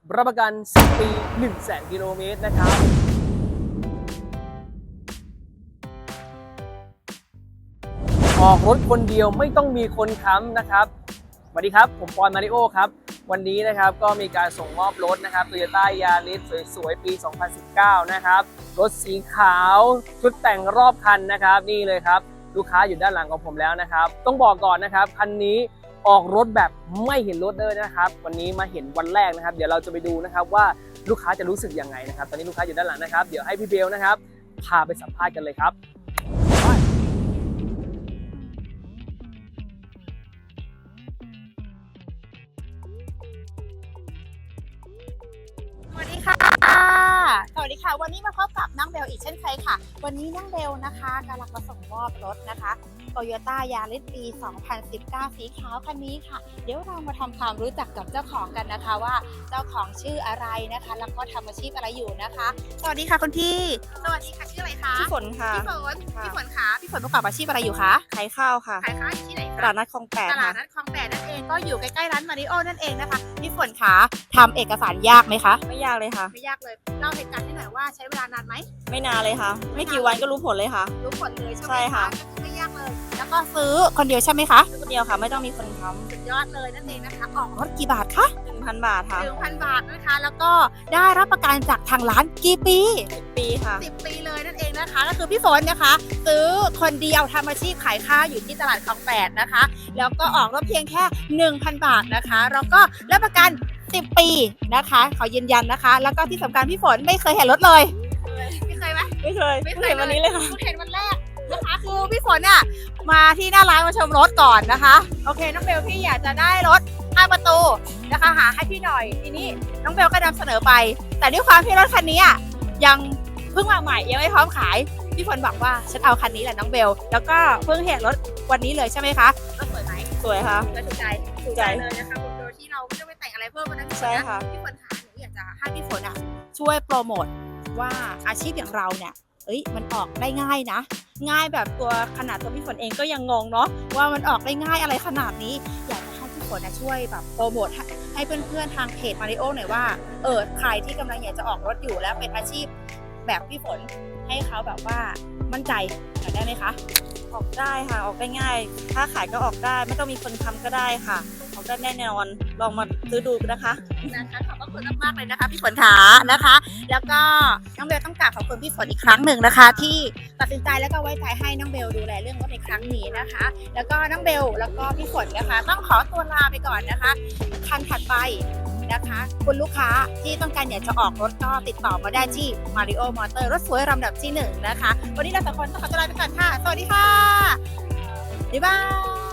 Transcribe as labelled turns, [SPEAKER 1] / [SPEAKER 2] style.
[SPEAKER 1] รับประกัน 10 ปี 100,000 กิโลเมตรนะครับออกรถคนเดียวไม่ต้องมีคนค้ำนะครับสวัสดีครับผมปอนมาริโอครับวันนี้นะครับก็มีการส่งมอบรถนะครับ Toyota Yaris สวยๆปี 2019 นะครับรถสีขาวชุดแต่งรอบคันนะครับนี่เลยครับลูกค้าอยู่ด้านหลังของผมแล้วนะครับต้องบอกก่อนนะครับคันนี้ออกรถแบบไม่เห็นรถเลยนะครับวันนี้มาเห็นวันแรกนะครับเดี๋ยวเราจะไปดูนะครับว่าลูกค้าจะรู้สึกยังไงนะครับตอนนี้ลูกค้าอยู่ด้านหลังนะครับเดี๋ยวให้พี่เบลนะครับพาไปสัมภาษณ์กันเลยครับ
[SPEAKER 2] สวัสดีค่ะ สวัสดีค่ะ วันนี้มาพบกับน้องเบลอีกเช่นเคยค่ะ วันนี้น้องเบลนะคะกำลังมาส่งมอบรถนะคะ Toyota Yaris ปี 2019 สีขาวคันนี้ค่ะ เดี๋ยวเรามาทำความรู้จักกับเจ้าของกันนะคะว่าเจ้าของชื่ออะไรนะคะ แล้วก็ทำอาชีพอะไรอยู่นะคะ สวัสดีค่ะคุณพี่ สวัสดีค่ะชื่ออะไรคะ
[SPEAKER 3] พี่ฝนค่ะ
[SPEAKER 2] พี่ฝนคะพี่ฝนประกอบอาชีพอะไรอยู่คะ
[SPEAKER 3] ขายข้าวค่ะ
[SPEAKER 2] ขายข้าวอยู่ที่ไหน
[SPEAKER 3] ต
[SPEAKER 2] คะ
[SPEAKER 3] ลาดนัดคลองแปด
[SPEAKER 2] ตลา
[SPEAKER 3] ค่ะ
[SPEAKER 2] ดนัดคลองแปดนั่นเองก็อยู่ใกล้ๆร้านมาริโอนั่นเองนะคะพี่ฝนคะทำเอกสารยากไหมคะ
[SPEAKER 3] ไม่ยากเลยค่ะ
[SPEAKER 2] ไม่ยากเลยเล่าเหตุการณ์ให้หน่อยว่าใช้เวลานานไหม
[SPEAKER 3] ไม่นานเลยค่ะ ไม่กี่วันก็รู้ผลเลยค่ะ
[SPEAKER 2] รู้ผลเลยใช่ไหม
[SPEAKER 3] ใช่ค่ะ
[SPEAKER 2] ก็คือไม่ยากเลย แล้วก็ซื้อคนเดียวใช่ไหมคะ
[SPEAKER 3] คนเดียวค่ะ ไม่ต้องมีคนค้
[SPEAKER 2] สุดยอดเลยนั่นเองนะคะออกรถกี่บาทคะ
[SPEAKER 3] ำ1,000 บาทค่ะ
[SPEAKER 2] 1,000 บาทนะคะ แล้วก็ได้รับประกันจากทางร้านกี่ปี
[SPEAKER 3] 10 ปีค่ะ
[SPEAKER 2] 10 ปีเลยนั่นเองนะคะ ก็คือพี่ฝนนะคะ ซื้อคนเดียวทำอาชีพขายข้าวอยู่ที่ตลาดคลองแปดนะคะ แล้วก็ออกรถเพียงแค่ 1,000 บาทนะคะแล้วก็รับประกัน 10 ปีนะคะ ขอยืนยันนะคะ แล้วก็ที่สำคัญพี่ฝนไม่เคยเห็นรถเลยไม่เคยไหม
[SPEAKER 3] ไม่เคยเพิ่งเห็นวันนี้เลยค่ะ
[SPEAKER 2] เพิ่งเห็นวันแรกนะคะคือพี่ฝนอ่ะมาที่หน้าร้านมาชมรถก่อนนะคะโอเคน้องเบลพี่อยากจะได้รถ5 ประตูนะคะหาให้พี่หน่อยทีนี้น้องเบลก็นำเสนอไป แต่ด้วยความที่รถคันนี้อ่ะยังเพิ่งมาใหม่ยังไม่พร้อมขายพี่ฝนบอกว่าฉันเอาคันนี้แหละน้องเบลแล้วก็เพิ่งเห็นรถวันนี้เลยใช่ไหมคะรถสวยไหม
[SPEAKER 3] สวยค่ะ
[SPEAKER 2] และถูกใจ
[SPEAKER 3] ถูกใจ
[SPEAKER 2] เลยนะคะโดยที่เราไม่ต้องไปแต่งอะไรเพิ่มนะพี่ฝน
[SPEAKER 3] ใช่
[SPEAKER 2] นะ
[SPEAKER 3] ค่ะ
[SPEAKER 2] พี่ฝนหาหนูอยากจะให้พี่ฝนอ่ะช่วยโปรโมทว่าอาชีพอย่างเราเนี่ยมันออกได้ง่ายนะ ง่ายแบบตัวขนาดตัวพี่ฝนเองก็ยังงงเนาะว่ามันออกได้ง่ายอะไรขนาดนี้ อยากจะให้พี่ฝนช่วยแบบโปรโมทให้เพื่อนๆทางเพจมาริโอหน่อยว่าใครที่กำลังอยากจะออกรถอยู่แล้วเป็นอาชีพแบบพี่ฝนให้เขาแบบว่ามั่นใจหน่อยได้ไหมคะ
[SPEAKER 3] ออกได้ค่ะ ออกได้ง่าย ถ้าขายก็ออกได้ ไม่ต้องมีคนค้ำก็ได้ค่ะ ออกได้แน่นอน ลองมาซื้อดูนะคะ
[SPEAKER 2] นะคะขอบพระคุณมากๆเลยนะคะพี่ฝนขานะคะ แล้วก็น้องเบลต้องกราบขอบคุณพี่ฝนอีกครั้งหนึ่งนะคะ ที่ตัดสินใจแล้วก็ไว้ใจให้น้องเบลดูแลเรื่องรถในครั้งนี้นะคะ แล้วก็น้องเบลแล้วก็พี่ฝนนะคะ ต้องขอตัวลาไปก่อนนะคะคันถัดไปนะคะคุณลูกค้าที่ต้องการอยากจะออกรถก็ติดต่อมาได้ที่ Mario Motor รถสวยลำดับที่1นะคะวันนี้เราสองคนต้องขอตัวลาไปก่อนค่ะสวัสดีค่ะบ๊ายบาย